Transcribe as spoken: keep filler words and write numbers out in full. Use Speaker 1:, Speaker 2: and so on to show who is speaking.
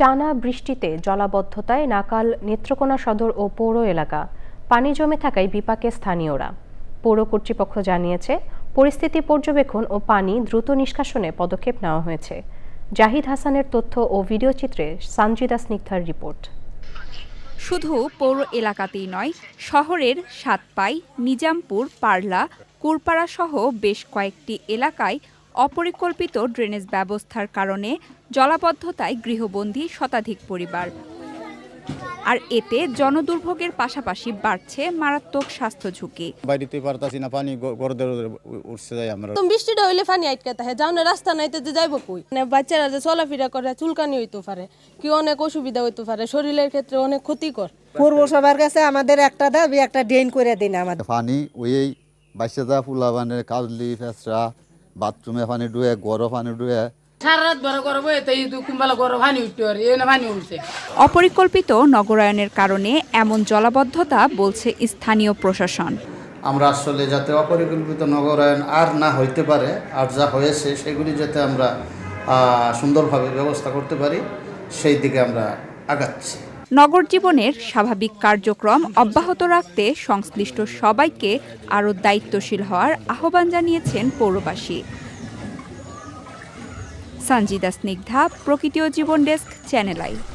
Speaker 1: টানা বৃষ্টিতে জলাবদ্ধতায় নাকাল নেত্রকোনা সদর ও পৌর এলাকা পানি জমে থাকায় বিপাকে স্থানীয়রা। পৌর কর্তৃপক্ষ জানিয়েছে, পরিস্থিতি পর্যবেক্ষণ ও পানি দ্রুত নিষ্কাশনে পদক্ষেপ নেওয়া হয়েছে। জাহিদ হাসানের তথ্য ও ভিডিও চিত্রে সানজিদা স্নিগ্ধার রিপোর্ট।
Speaker 2: শুধু পৌর এলাকাতেই নয়, শহরের সাতপাই, নিজামপুর, পারলা, কুরপাড়া সহ বেশ কয়েকটি এলাকায় অপরিকল্পিত ড্রেনেজ ব্যবস্থার কারণে জলাবদ্ধতায় গৃহবন্দী শতাধিক পরিবার। আর এতে জনদুর্ভোগের পাশাপাশি বাড়ছে মারাত্মক স্বাস্থ্য ঝুঁকি।
Speaker 3: বাড়িতে পারতাছি না, পানি গড়দের উঠছে যায়। আমরা
Speaker 4: তো বৃষ্টিটা হইলে পানি আটকে থাকে, যাও না রাস্তা নাইতে যে যাইব কই। মানে বাচ্চারা যে চলাফেরা করে চুলকানি হইতে পারে, কি অনেক অসুবিধা হইতে পারে, শরীরের ক্ষেত্রে অনেক ক্ষতিকর।
Speaker 5: পৌরসভার কাছে আমাদের একটা দাবি, একটা ড্রেন করে দিন আমাদের।
Speaker 6: পানি ওই বাচ্চাদা ফুলাবানে কাজলি ফেসরা বাথরুমে পানি ডুয়ে গড় পানি ডুয়ে
Speaker 2: অপরিকল্পিত নগরায়নের কারণে এমন জলাবদ্ধতা বলছে স্থানীয় প্রশাসন।
Speaker 7: আমরা আসলে যাতে অপরিকল্পিত নগরায়ন আর না হইতে পারে, আর যা হয়েছে সেগুলি যাতে আমরা সুন্দরভাবে ব্যবস্থা করতে পারি, সেই দিকে আমরা আগাচ্ছি।
Speaker 2: নগর জীবনের স্বাভাবিক কার্যক্রম অব্যাহত রাখতে সংশ্লিষ্ট সবাইকে আরও দায়িত্বশীল হওয়ার আহ্বান জানিয়েছেন পৌরবাসী। সানজিদা স্নিগ্ধা, প্রকৃতি ও জীবন ডেস্ক, চ্যানেল আই।